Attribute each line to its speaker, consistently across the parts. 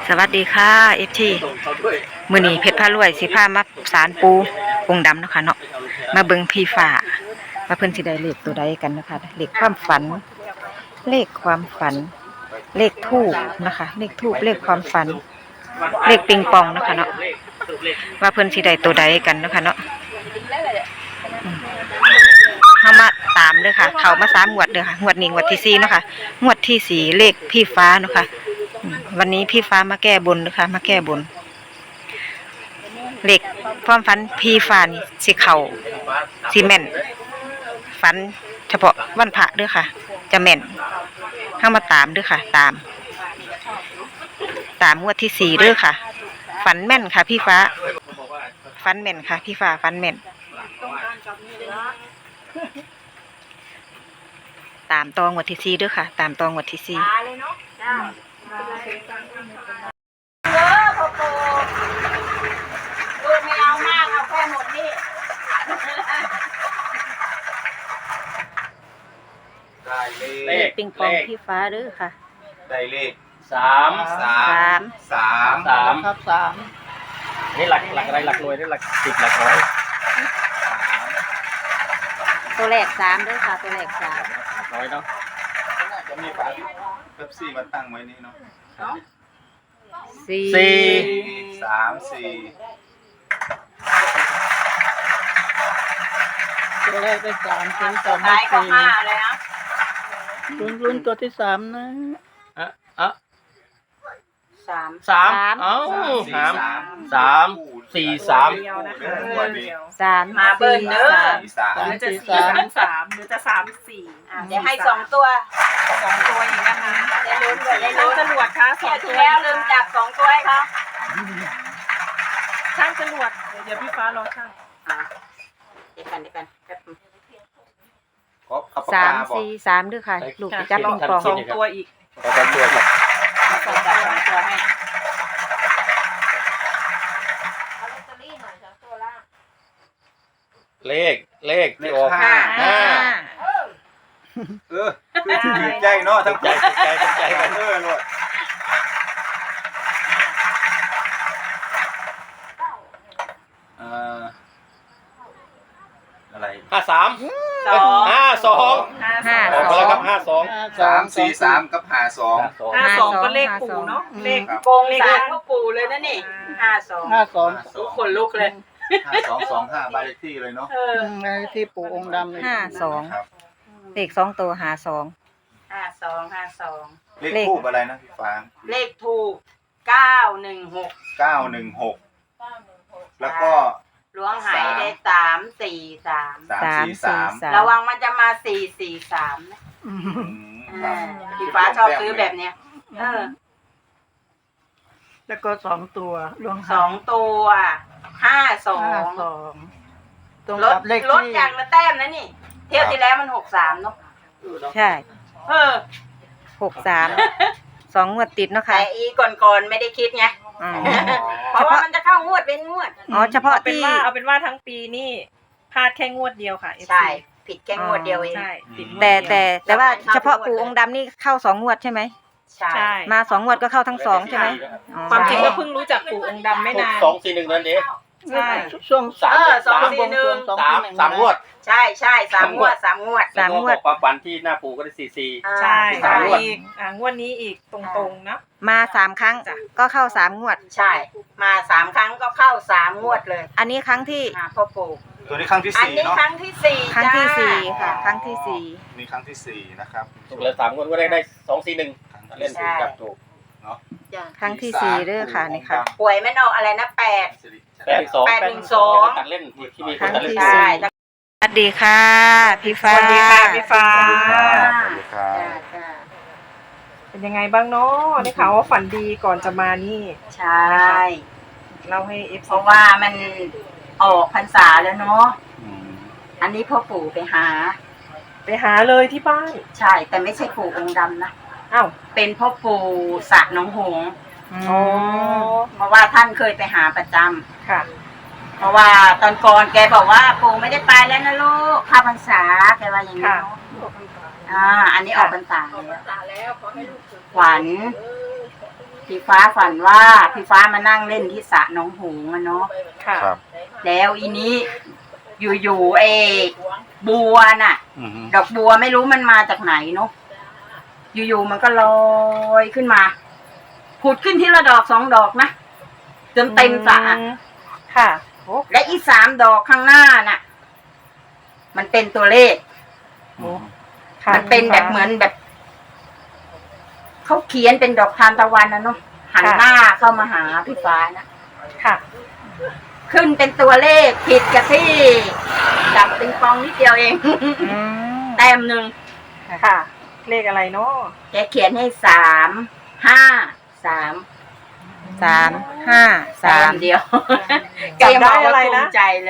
Speaker 1: สวัสดีค่ะFTมื้อนี้เพชรพารวยสิพามาศาลปูองค์ดำเนาะค่ะเนาะมาเบิ่งพี่ฟ้าว่าเพิ่นสิได้เลขตัวใดกันนะคะเลขความฝัน เลขความฝัน เลขทูปนะคะเลขทูปเลขความฝัน เลขปิงปองเนาะค่ะเนาะว่าเพิ่นสิได้ตัวใดกันเนาะค่ะเนาะเฮามาตามเด้อค่ะเข้ามา3งวดเด้อค่ะงวดนี้งวดที่4เนาะค่ะงวดที่4เลขพี่ฟ้าเนาะค่ะวันนี้พี่ฟ้ามาแก้บนนะคะมาแก้บนเหล็กความฝันพี่ฟ้านี่สิเข่าสิแม่นฝันเฉพาะวันพระเด้อค่ะจะแม่นเข้ามาตามเด้อค่ะตามงวดที่4เด้อค่ะฝันแม่นค่ะพี่ฟ้าฝันแม่นค่ะพี่ฟ้าฝันแม่นตามตองวดที่4เด้อค่ะตามตองวดที่4
Speaker 2: ไม่เอามากเอาแค่หมดนี่
Speaker 3: ได้เลข
Speaker 1: ปิงปองพี่ฟ้าเด้อค่ะ
Speaker 3: ได้เลข
Speaker 4: สาม
Speaker 2: ครับสาม
Speaker 4: นี่หลักอะไรหลักหน่วยนี่หลักสิบหลักร้อย
Speaker 1: ตัวแรก3เด้อค่ะตัวแรก3
Speaker 4: ร้อยเนาะ
Speaker 3: จะมีฝาเป๊ปซี่มาตั้งไว้นี่เนาะ
Speaker 1: สี่
Speaker 3: 3 4
Speaker 2: ตัวแรกได้สามตัวต่อมาสี่ลุ้นตัวที่สามนะ
Speaker 4: สามเอ้าสามสี่สาม
Speaker 1: มา
Speaker 2: เบิ้ลเด้อ
Speaker 3: 3
Speaker 2: จะ3หรือจะ3 4เดี๋ยวให้2ตัวอีกนะคะได้ลุ้นได้ลุ้นจรวดค่ะ2ตัวแล้วลืมจับ2ตัวให้เขาช่างจรวดเดี๋ยวพี่ฟ้ารอช่างเดี๋ยวกัน
Speaker 1: 3 4 3ด้วยค่ะลูกจับปิงปอง
Speaker 2: 2ตัวอีก
Speaker 4: 2ตัวครับ
Speaker 2: 2ตัวให้
Speaker 4: เลขที่ออก
Speaker 3: 5ถือใจเนาะทั้งใจกันโลดอะไร
Speaker 4: 53 52ออกมาแล้วครับ52
Speaker 3: 3 4 3กับ52
Speaker 2: 52ก็เลขปู่เนาะเลขโกงเลขพ่อปู่เลยนะนี่52ทุกคนลุกเลย
Speaker 3: 5225บ้านเลขที่เลยเนาะ
Speaker 2: ที่ปู่องค์ดำเลย
Speaker 1: 52เลข2ตัว52
Speaker 3: เลขทูบอะไรนะพี่ฟาง
Speaker 2: เลขทูบ916
Speaker 3: แล้วก็
Speaker 2: ล้วงหายได้343
Speaker 3: 3 4 3
Speaker 2: ระวังมันจะมา443นะพี่ฟ้าชอบซื้อแบบเนี้ยแล้วก็2ตัวล้วง2ตัว52ลดอย่างละแต้มนะนี่เที่ยวที่แล้วมัน63เนาะ
Speaker 1: ใช่63 2งวดติดเนาะค่ะ
Speaker 2: แต่อีก่อนไม่ได้คิดไงเพราะว่ามันจะเข้างวดเป็นงวด
Speaker 1: เฉพาะที่
Speaker 5: เอาเป็นว่าทั้งปีนี่พลาดแค่งวดเดียวค่ะ
Speaker 2: ใช่ผิดแค่งวดเดียวเอง
Speaker 1: แต่ว่าเฉพาะปู่องค์ดำนี่เข้า2งวดใช่ไหม
Speaker 2: ใช่
Speaker 1: มา2งวดก็เข้าทั้ง2ใช่ไหม
Speaker 5: ความจริงก็เพิ่งรู้จักปู่องค์ดำไม่นาน
Speaker 4: 241นั่นเอง
Speaker 5: ใช่
Speaker 2: ช่วง
Speaker 4: 3งวด
Speaker 2: ใช่3 งวด
Speaker 4: ความฝันที่หน้าปู่ก็ได้44
Speaker 5: ใช่อีกงวดนี้อีกตรงๆนะ
Speaker 1: มา3ครั้งก็เข้า3งวด
Speaker 2: ใช่มา3ครั้งก็เข้า3งวดเลย
Speaker 1: อันนี้ครั้งที่
Speaker 2: พ่อปู่
Speaker 3: ตัวนี้ครั้งที่4เนาะ
Speaker 2: อันนี้ครั้งที่4
Speaker 1: ค่ะครั้งที่4
Speaker 3: นี่ครั้งที่4นะครับ
Speaker 4: ถูกแล้ว3งวดก็ได้241เล่นถูกจับถูก
Speaker 3: เนาะ
Speaker 1: ครั้งที่4เด้อค่ะนี่ค่ะ
Speaker 2: ป่วยไม่นอกอะไรนะ812
Speaker 4: ตัดเล่นที่มี
Speaker 1: ครั้งที่4สวัสดีค่ะพี่ฟ้า
Speaker 5: สวัสดีค่ะพี่ฟ้า
Speaker 3: เป็
Speaker 5: เป็นยังไงบ้างเนาะได้ข่าวว่าฝันดีก่อนจะมานี่
Speaker 2: ใช่
Speaker 5: เล่าให้
Speaker 2: เพราะว่ามันออกพรรษาแล้วเนาะอันนี้พ่อปู่ไปหา
Speaker 5: เลยที่บ้าน
Speaker 2: ใช่แต่ไม่ใช่ปู่องค์ดำนะ
Speaker 5: อ้าว
Speaker 2: เป็นพ่อปู่สระหนองหงส์เพราะว่าท่านเคยไปหาประจำ
Speaker 5: ค่ะ
Speaker 2: เพราะว่าตอนก่อนแกบอกว่าปู่ไม่ได้ไปแล้วนะลูกเข้าพรรษาแกว่าอย่างนี้อันนี้ออกพรรษาแล้วขวัญพี่ฟ้าฝันว่าพี่ฟ้ามานั่งเล่นที่สระหนองหงส์อะเนาะ
Speaker 5: ค่ะ
Speaker 3: ครับ
Speaker 2: แล้วอีนี้อยู่บัวน่ะ
Speaker 3: อือฮึ
Speaker 2: ดอกบัวไม่รู้มันมาจากไหนเนาะอยู่ๆมันก็ลอยขึ้นมาผุดขึ้นทีละดอกสองดอกนะจนเต็มสระ
Speaker 5: ค่ะโอ้
Speaker 2: และอี3 ดอกข้างหน้าน่ะ มันเป็นตัวเลข
Speaker 5: ค่ะ
Speaker 2: มันเป็นแบบเหมือนแบบเขาเขียนเป็นดอกทานตะวันนะเนาะหันหน้าเข้ามาหาพี่ฟ้านะ
Speaker 5: ค่ะ
Speaker 2: ขึ้นเป็นตัวเลขผิดกับที่จับปิงปองนิดเดียวเอง
Speaker 1: อืม
Speaker 2: แต้มหนึ่ง
Speaker 5: ค่ะ เลขอะไรเนาะ
Speaker 2: แกเขียนให้3 5 3
Speaker 1: 3 5
Speaker 2: แต้ม
Speaker 1: 3
Speaker 2: เดียว
Speaker 5: จำได้อะไรนะ
Speaker 2: ภูมิใจเลย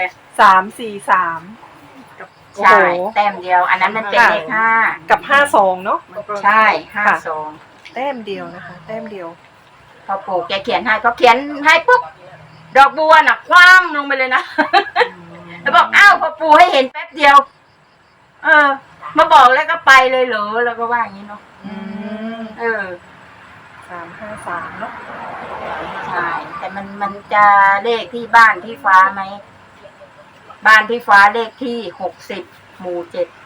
Speaker 5: 343 โอ้
Speaker 2: ใช่
Speaker 5: โห
Speaker 2: แต้มเดียว อันนั้นมันเป็นเลข5
Speaker 5: กับ52เนาะ
Speaker 2: ใช่
Speaker 5: ค่ะ
Speaker 2: 52
Speaker 5: แต้มเดียวนะคะ แต้มเดียว
Speaker 2: พอปู่แกเขียนให้พอเขียนให้ปุ๊บดอกบัวน่ะคว่ำลงไปเลยนะ แล้วบอกอ้าวพอปู่ให้เห็นแป๊บเดียว มาบอกแล้วก็ไปเลยเหรอแล้วก็ว่าอย่างนี้เนาะ
Speaker 5: อืม 353เนาะ
Speaker 2: ใช่แต่มันจะเลขที่บ้านที่ฟ้าไหมบ้านที่ฟ้าเลขที่60 หมู่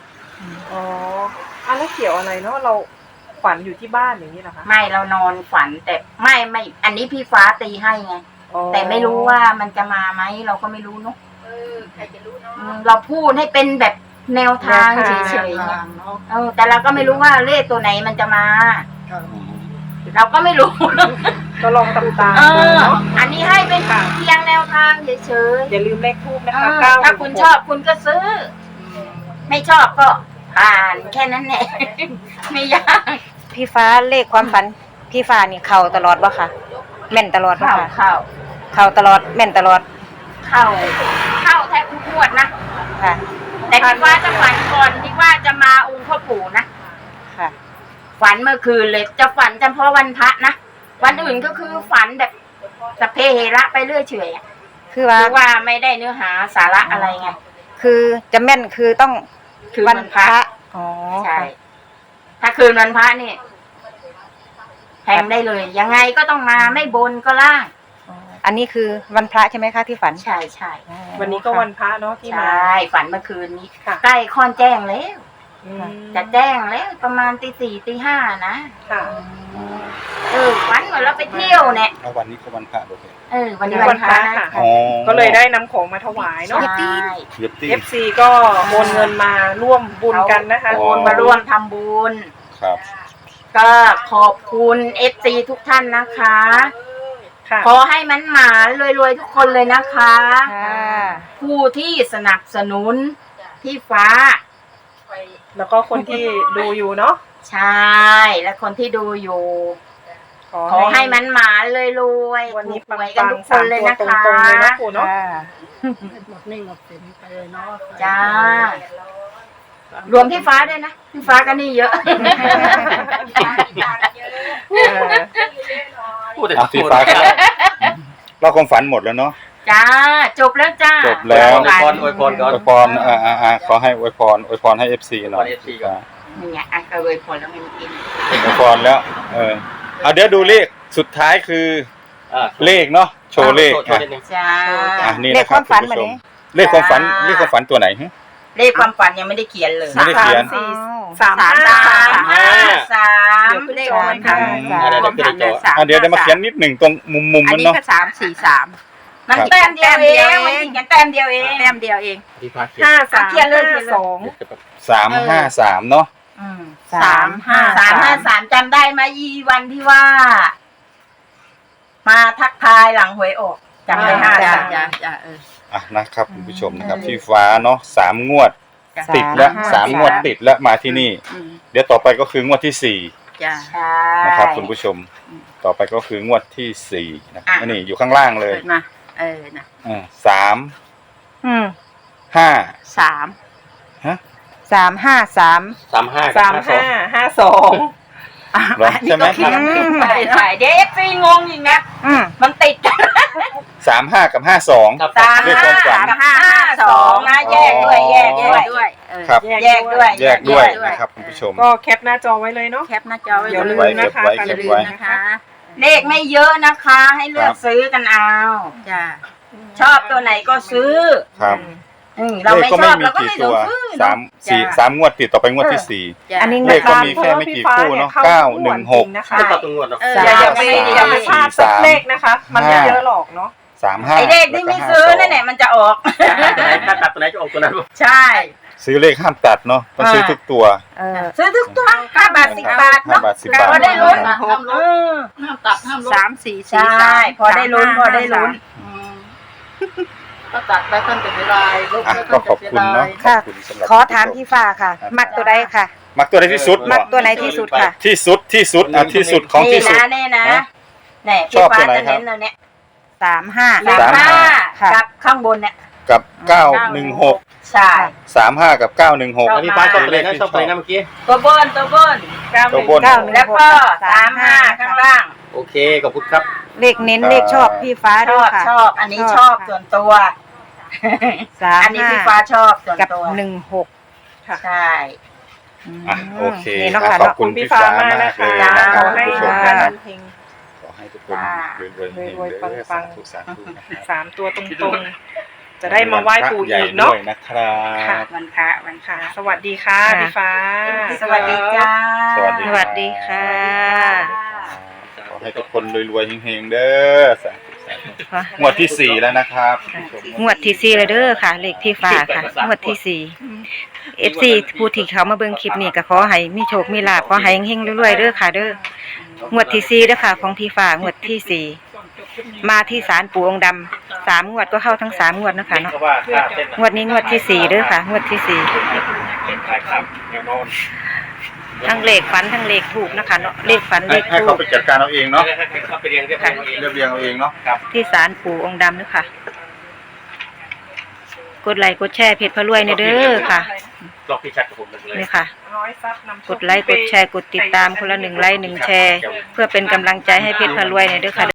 Speaker 2: 7
Speaker 5: อ๋อแล้วเกี่ยวอะไรเนาะเราฝันอยู่ที่บ้านอย่างนี้เหรอคะ
Speaker 2: ไม่เรานอนฝันแต่ไม่อันนี้พี่ฟ้าตีให้ไง
Speaker 5: อ๋อ
Speaker 2: แต่ไม่รู้ว่ามันจะมาไหมเราก็ไม่รู้เนาะใครจะรู้เนาะเราพูดให้เป็นแบบแนวทางเฉยๆไงแต่เราก็ไม่รู้ว่าเลขตัวไหนมันจะมา เราก็ไม่รู้
Speaker 5: ก็ลองตามๆ
Speaker 2: เอ
Speaker 5: ดู
Speaker 2: อ
Speaker 5: เนาะ
Speaker 2: อันนี้ให้เป็นเพียงแนวทางเฉย
Speaker 5: อย่าลืมเลขทูบ
Speaker 2: ๆ
Speaker 5: นะคะ9
Speaker 2: ถ้าคุณชอบคุณก็ซื้อ ไม่ชอบก็ผ่านแค่นั้นแหละ ไม่ยาก
Speaker 1: พี่ฟ้าเลขความฝันพี่ฟ้านี่เข้าตลอดบ่ค่ะแม่นตลอดบ่
Speaker 2: เข้า
Speaker 1: ค่ะ
Speaker 2: เข้า
Speaker 1: เข้าตลอดแม่นตลอด
Speaker 2: เข้าแทบทุกงวดนะ
Speaker 1: ค่ะ
Speaker 2: แต่ที่ว่าจะฝันก่อนที่ว่าจะมาองค์พ่อปู่นะ
Speaker 1: ค่ะ
Speaker 2: ฝันเมื่อคืนเลยจะฝันเฉพาะวันพระนะวันอื่นก็คือฝันแบบสพเพเหระไปเรื่อยเฉยอะ
Speaker 1: คือว่า
Speaker 2: คือว่าไม่ได้เนื้อหาสาระอะไรไง
Speaker 1: คือจะแม่นคือต้อง
Speaker 2: คือ
Speaker 1: วั
Speaker 2: วันพระ
Speaker 1: อ๋อ
Speaker 2: ใช่ ถ้าคืนวันพระนี่แทงได้เลย ยังไงก็ต้องมาไม่บนก็ล่าง
Speaker 1: อ๋ออันนี้คือวันพระใช่ไหมคะที่ฝัน
Speaker 2: ใช่ใช่
Speaker 1: อ๋อ
Speaker 5: วันนี้ก็วันพระเนาะที่
Speaker 2: ใช
Speaker 5: มา
Speaker 2: ่ฝันเมื่อคืนนี้
Speaker 5: ค่ะ
Speaker 2: ใกล้ค่อนแจ้งแล้ว
Speaker 5: อืม
Speaker 2: จะแจ้งแล้วประมาณตี 4 ตี 5นะ
Speaker 5: ค่ะ
Speaker 2: ฝันเหมือนเราไปเที่ยวเนี่ย
Speaker 3: เอาวันนี้ก็วันพระด้วย
Speaker 2: วันนี้
Speaker 5: วั
Speaker 2: วัน น
Speaker 5: พ
Speaker 2: พ
Speaker 5: ระ
Speaker 2: ระ
Speaker 5: ค่ะ
Speaker 3: อ๋อ
Speaker 5: ก็เลยได้นำของมาถวายเนาะ
Speaker 2: ใช่
Speaker 3: เย็บตี้
Speaker 5: FC ก็โอนเงินมาร่วมบุญกันนะคะ
Speaker 3: โอ้
Speaker 2: โอนมาร่วมทำบุญ
Speaker 3: ครับ
Speaker 2: ก็ขอบคุณFC ทุกท่านนะคะ
Speaker 5: ค่ะ
Speaker 2: ขอให้มันหมานรวยๆทุกคนเลยนะคะ
Speaker 1: ค่ะ
Speaker 2: ผู้ที่สนับสนุนพี่ฟ้า
Speaker 5: แล้วก็คนที่ดูอยู่เนาะ
Speaker 2: ใช่ และคนที่ดูอยู่ ขอให้มันหมานรวยๆ
Speaker 5: วันนี้
Speaker 2: ถูกหวย
Speaker 5: ปั
Speaker 2: กัน
Speaker 5: ง
Speaker 2: ทุก
Speaker 5: ๆ
Speaker 2: ค
Speaker 5: สาน ม
Speaker 2: เลย
Speaker 5: ตัว
Speaker 2: นะ
Speaker 5: ตร
Speaker 2: คะ
Speaker 5: งๆเลยนะปู่เนาะ
Speaker 1: ค่ะ
Speaker 2: จ้า รวมพี่ฟ้าด้วยนะ พี่ฟ้าก็นี่เยอะ
Speaker 4: พูดแต่
Speaker 3: พี่ฟ้าครับเราความฝันหมดแล้วเนาะ
Speaker 2: จ้า จบแล้วจ้า
Speaker 3: จบแล้ว
Speaker 4: อวยพรอวยพรก่อน
Speaker 3: อวยพรขอให้อวยพรให้ FC หน่อย
Speaker 4: อวยพร FC ก่อน
Speaker 2: นี่ไงอ่ะก็เลยผลแล้วไม่กิน
Speaker 3: อวยพรแล้ว เอาเดี๋ยวดูเลขสุดท้ายคือ เลขเนาะโชว์เลข
Speaker 4: โชว์นิดนึง
Speaker 2: จ้า
Speaker 3: นี่
Speaker 1: เล
Speaker 3: นะ
Speaker 1: ข
Speaker 3: ค
Speaker 1: ครับ วามฝัน
Speaker 3: คุณ
Speaker 1: แบบ
Speaker 3: ผู้ช
Speaker 1: นี้
Speaker 3: เลขความฝันตัวไหนฮะ
Speaker 2: เลขความฝันยังไม่ได้เขียนเลย
Speaker 3: ไม่ได้เขียน
Speaker 5: 3
Speaker 2: 3
Speaker 5: เลขอะไรคะ
Speaker 2: ความฝันเนี่ย3
Speaker 3: เดี๋ยวมาเขียนนิดหนึ่งตรงมุม
Speaker 2: อัน
Speaker 3: มัน
Speaker 2: นี้
Speaker 3: เนาะ
Speaker 2: ก็3 4 3มันแต้มเดียวเองมันติดกันแต้มเดียวเองแต้มเดียวเอง
Speaker 4: พี่ฟ้าเขียน
Speaker 5: 5 3
Speaker 2: เขียนเลย
Speaker 5: 5 2
Speaker 3: 353เนาะ
Speaker 2: 353จำได้ไหมยีวันที่ว่า มาทักทายหลังหวยออกจำได้53
Speaker 3: นะครับคุณผู้ชมนะครับที่ฟ้าเนาะ3 งวดติดแล้ว3 งวดติดแล้วมาที่นี่ เดี๋ยวต่อไปก็คืองวดที่
Speaker 2: จ้า
Speaker 3: 4นะครับคุณผู้ชม ต่อไปก็คืองวดที่4นะครับนี่อยู่ข้างล่างเลย
Speaker 2: มานะ
Speaker 3: 3
Speaker 1: อืม
Speaker 3: 5
Speaker 2: 3
Speaker 3: ฮะ
Speaker 1: 353
Speaker 5: 3552
Speaker 3: เหรอใช่ไหม
Speaker 2: ใช่เดี๋ยวเอฟซีงงอีกนะ
Speaker 1: อืม
Speaker 2: มันติดกัน
Speaker 3: 35 กับ 52
Speaker 4: ครับ
Speaker 3: เลขความฝัน
Speaker 2: 352นะแยกด้วยแยกด้วย
Speaker 3: ครับ
Speaker 2: แยกด้วย
Speaker 3: แยกด้วยนะครับคุณผู้ชม
Speaker 5: ก็แคปหน้าจอไว้เลยเนาะ
Speaker 2: แคปหน้าจอไว้
Speaker 5: อย่าลืม
Speaker 3: เก็บไว้
Speaker 2: อย่าลืมนะคะเลขไม่เยอะนะคะ ให้เลือกซื้อกันเอาจ้ะชอบตัวไหนก็ซื้อ
Speaker 3: ครับ
Speaker 2: เรา
Speaker 3: เลข
Speaker 2: ไม่
Speaker 3: ก็
Speaker 2: ช
Speaker 3: ไม่
Speaker 2: อบ
Speaker 3: มี
Speaker 2: เราก็
Speaker 3: กี่
Speaker 2: ไม่
Speaker 3: ตั
Speaker 2: ต้อ
Speaker 3: ว
Speaker 2: งซื้อเนอะ
Speaker 3: สามงวดติดต่อไปงวดที่สี่
Speaker 1: อันนี้
Speaker 3: เลขก็มีแค่ไม่กี่คู่เนาะ916
Speaker 5: นะคะ
Speaker 4: ก็ตัดตัวงวดเนาะ
Speaker 5: อย่าไปพลาดสักเลขนะคะ มันไม่เยอะหรอกเนาะ
Speaker 3: 35
Speaker 2: ไอเลขที่ไม่ซื้อนั่นแหละมันจะออก
Speaker 4: ถ้าตัดตัวไหนจะออกตัวนั้น
Speaker 2: ใช่
Speaker 3: ซื้อเลขห้ามตัดเนาะต้องซื้อทุกตัว
Speaker 2: ซื้อทุกตัว5 บาท 10 บาทเนาะ
Speaker 3: 5 บาท 10 บาท
Speaker 2: พอได้ลุ้น
Speaker 6: ห้ามตัดห้ามลด
Speaker 5: 3 4
Speaker 2: ใช่พอได้ลุ้นพอได้ลุ้น
Speaker 6: ถ้าตัดไปท่านจะเสียดายลบ
Speaker 3: อ่ะ
Speaker 6: ไป
Speaker 3: ก็
Speaker 6: ท่าน
Speaker 3: ข
Speaker 6: จะ
Speaker 3: อบ
Speaker 6: เสีย
Speaker 3: คุณ
Speaker 6: ดา
Speaker 3: เนาะ
Speaker 6: ย
Speaker 1: ค่ะ
Speaker 3: ขอบคุณสำหรับ
Speaker 1: ขอถามพี่ฟ้าค่ะ มักตัวใดค่ะ
Speaker 3: มักตัวไหนที่สุด
Speaker 1: มักตัวไหนที่สุดค่ะ
Speaker 3: ที่สุดที่สุดที่สุดของที่สุด
Speaker 2: นี่นะ
Speaker 3: ฮะ
Speaker 2: แน่
Speaker 3: ช
Speaker 2: พี่
Speaker 3: อบ
Speaker 2: ฟ้า
Speaker 3: ตัวไหน
Speaker 2: จะ
Speaker 3: ครับ
Speaker 2: เน้นเลยเนี่ย
Speaker 1: 35
Speaker 2: 35
Speaker 1: ค่ะ
Speaker 2: กับข้างบนเนี่ย
Speaker 3: กับ916
Speaker 2: ใช่
Speaker 3: 35กับ916
Speaker 4: อันนี้ป้าชอบตัวไหนนะชอบตัวไหนนะเมื่อกี้
Speaker 2: ตัวบนตัวบน
Speaker 3: ตัวบน
Speaker 2: แล้วก็35ข้างล่าง
Speaker 4: โอเคขอบคุณครับ
Speaker 1: เลขเน้นเลขชอบพี่ฟ้า
Speaker 2: ช
Speaker 1: ด้
Speaker 2: อ
Speaker 1: วย
Speaker 2: บ
Speaker 1: ค่ะ
Speaker 2: ชอบอันนี้ชอบส่วนตัว อันนี้พี่ฟ้าชอบส่วน
Speaker 1: กับ
Speaker 2: ตัว
Speaker 1: 16
Speaker 2: ใช่
Speaker 3: อ่ะโอเค
Speaker 1: นี่เนาะ
Speaker 3: ข
Speaker 1: ค่ะ
Speaker 3: อบคุณพี่ฟ้ามากเลย
Speaker 2: จ้า
Speaker 3: นะค
Speaker 5: ข
Speaker 3: รับ
Speaker 5: อให้
Speaker 3: ผู้ช
Speaker 5: ทุ
Speaker 3: ม
Speaker 5: ก
Speaker 3: ค
Speaker 5: ท่า
Speaker 3: รับ
Speaker 5: นเฮง
Speaker 3: ขอให้ทุกคนรวยๆ
Speaker 5: รวยๆปังๆ
Speaker 3: สาธุนะครับ
Speaker 5: 3 ตัวตรงๆ จะได้มาไหว้ปู่อีกเนาะ
Speaker 3: ใหญ่ด้วยนะครับ
Speaker 2: วันพระวันพระ
Speaker 5: ค่ะ สวัสดีค่ะพี่ฟ้า
Speaker 2: สวัสดีจ้า
Speaker 3: สวัสดี
Speaker 1: สวัสดีค่ะ
Speaker 3: ขอให้ทุกคนรวยๆเฮงๆเด้อสาธุสาธุงวดที่4แล้วนะครับ
Speaker 1: งวดที่4เลยเด้อค่ะ เลขพี่ฟ้าค่ะ งวดที่4 FC ผู้ที่เขามาเบิ่งคลิปนี้ก็ขอให้มีโชคมีลาภขอให้เฮงๆรวยๆเด้อค่ะเด้องวดที่4เด้อค่ะ ของพี่ฟ้างวดที่4มาที่ศาลปู่องค์ดำ3 งวดก็เข้าทั้ง3 งวดนะคะเนาะงวดนี้งวดที่4เด้อค่ะ งวดที่4ทั้งเลขฝันทั้งเลขถูกนะคะเนาะเลขฝันเลข
Speaker 3: ให้
Speaker 1: ถู
Speaker 3: เขา
Speaker 1: ก
Speaker 3: ไปจัดการเอาเองเนาะ
Speaker 4: เขาไปเรียงเรียบร้อยเอง
Speaker 3: เรียบเรียงเอาเองเนาะ
Speaker 1: ที่ศาลปู่องค์ดำเด้อค่ะ กดไลค์กดแชร์เพจพระรวยเนี่ยเด้อค่ะ
Speaker 4: ลอกพี่ชัดกับผมเลย
Speaker 1: นี่ค่ะ
Speaker 5: ร้อยซับนำโชค
Speaker 1: กดไลค์กดแชร์กดติดตามคนละ1 ไลค์ 1 แชร์ เพื่อเป็นกำลังใจให้เพจพระรวยเนี่ยเด้อค่ะ